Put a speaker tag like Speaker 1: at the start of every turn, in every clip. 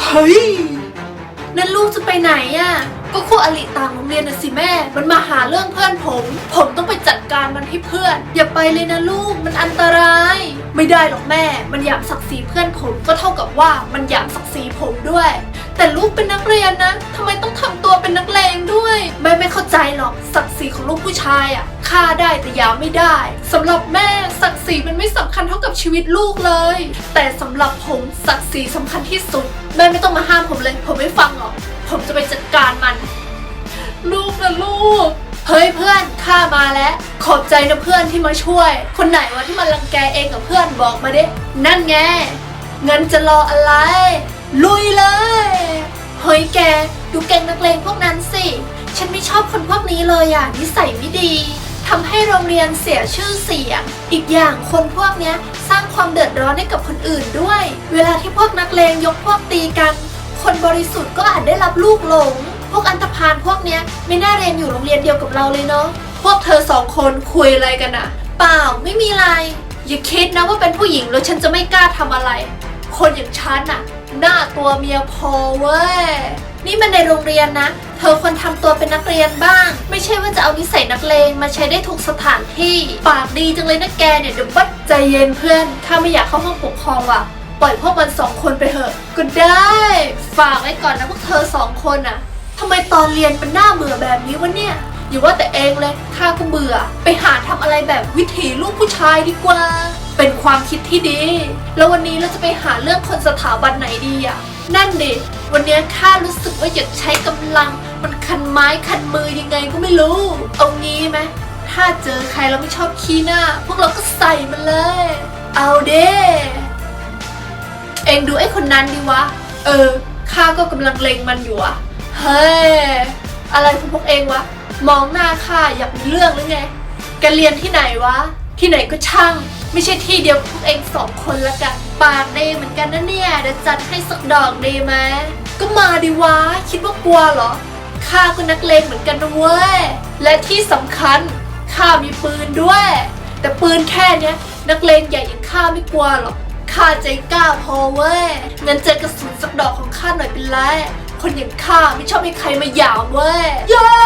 Speaker 1: เฮ้ยนั่นลูกจะไปไหนอ่ะก็คู่อริต่างโรงเรียนน่ะสิแม่มันมาหาเรื่องเพื่อนผมต้องไปจัดการมันให้เพื่อนอย่าไปเลยนะลูกมันอันตรายไม่ได้หรอกแม่มันหยามศักดิ์ศรีเพื่อนผมก็เท่ากับว่ามันหยามศักดิ์ศรีผมด้วยแต่ลูกเป็นนักเรียนนะทำไมต้องทำตัวเป็นนักเลงด้วยแม่ไม่เข้าใจหรอกศักดิ์ศรีของลูกผู้ชายอ่ะฆ่าได้แต่หยามไม่ได้สำหรับแม่ศักดิ์ศรีมันไม่สำคัญเท่ากับชีวิตลูกเลยแต่สำหรับผมศักดิ์ศรีสำคัญที่สุดแม่ไม่ต้องมาห้ามผมเลยผมไม่ฟังหรอกผมจะไปจัดการมันลูกนะลูกเฮ้ยเพื่อนข้ามาแล้วขอบใจนะเพื่อนที่มาช่วยคนไหนวะที่มารังแกเองกับเพื่อนบอกมาดินั่นไงงั้นจะรออะไรลุยเลยเฮ้ยแกดูแก๊งนักเลงพวกนั้นสิฉันไม่ชอบคนพวกนี้เลยอ่ะนิสัยไม่ดีทำให้โรงเรียนเสียชื่อเสียงอีกอย่างคนพวกนี้สร้างความเดือดร้อนให้กับคนอื่นด้วยเวลาที่พวกนักเลงยกพวกตีกันคนบริสุทธิ์ก็อาจได้รับลูกหลงพวกอันธพาลพวกเนี้ยไม่น่าเรียนอยู่โรงเรียนเดียวกับเราเลยเนาะพวกเธอสองคนคุยอะไรกันอะเปล่าไม่มีอะไรอย่าคิดนะว่าเป็นผู้หญิงแล้วฉันจะไม่กล้าทำอะไรคนอย่างฉันอะหน้าตัวเมียพอเว้ยนี่มันในโรงเรียนนะเธอควรทำตัวเป็นนักเรียนบ้างไม่ใช่ว่าจะเอานิสัยนักเลงมาใช้ได้ทุกสถานที่ปากดีจังเลยนะแกเนี่ยเดี๋ยวบัดใจเย็นเพื่อนข้าไม่อยากเข้าห้องปกครองว่ะปล่อยพวกมันสองคนไปเถอะก็ได้ฝากไว้ก่อนนะพวกเธอสองคนอะทำไมตอนเรียนมันน่าเบื่อแบบนี้วะเนี่ยอย่าว่าแต่เองเลยข้าก็เบื่อไปหาทำอะไรแบบวิถีลูกผู้ชายดีกว่าเป็นความคิดที่ดีแล้ววันนี้เราจะไปหาเรื่องคนสถาบันไหนดีอะนั่นดิวันนี้ข้ารู้สึกว่าอยากใช้กำลังมันคันไม้คันมือยังไงก็ไม่รู้เอางี้ไหมถ้าเจอใครเราไม่ชอบขี้หน้าพวกเราก็ใส่มันเลยเอาเด้เองดูไอ้คนนั้นดิวะข้าก็กำลังเล็งมันอยู่อะเฮ้ยอะไรของพวกเองวะมองหน้าข้าอยากมีเรื่องหรือไงแกเรียนที่ไหนวะที่ไหนก็ช่างไม่ใช่ที่เดียวพวกเองสองคนละกันปากดีเหมือนกันนะเนี่ยเดี๋ยวจัดให้สักดอกดีไหมก็มาดิวะคิดว่ากลัวเหรอข้าก็นักเลงเหมือนกันนะเว้ยและที่สำคัญข้ามีปืนด้วยแต่ปืนแค่เนี้ยนักเลงใหญ่อย่างข้าไม่กลัวหรอกข้าใจกล้าพอเว้ยงั้นเจอกระสุนสักดอกของข้าหน่อยเป็นไรคนอย่างข้าไม่ชอบให้ใครมาหยามเว้ยย่า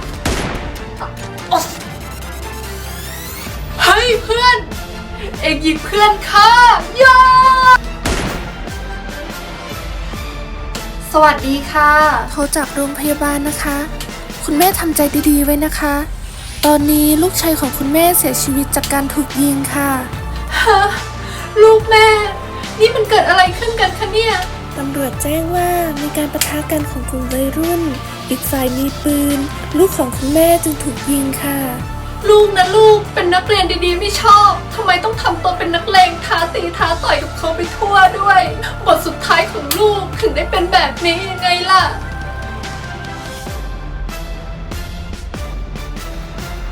Speaker 1: เฮ้ยเพื่อนเอ็งยิงเพื่อนข้าย่าสวัสดีค่ะ
Speaker 2: โทรจากโรงพยาบาลนะคะคุณแม่ทำใจดีๆไว้นะคะตอนนี้ลูกชายของคุณแม่เสียชีวิตจากการถูกยิงค่ะ
Speaker 1: ฮะลูกแม่นี่มันเกิดอะไรขึ้นกันคะเนี่ย
Speaker 2: ตำรวจแจ้งว่ามีการปะทะกันของกลุ่มวัยรุ่นอีกฝ่ายมีปืนลูกของคุณแม่จึงถูกยิงค่ะ
Speaker 1: ลูกนะลูกเป็นนักเรียนดีๆไม่ชอบทำไมต้องทำตัวเป็นนักเลงท้าตีท้าต่อยกับเขาไปทั่วด้วยบทสุดท้ายของลูกถึงได้เป็นแบบนี้ยังไงล่ะ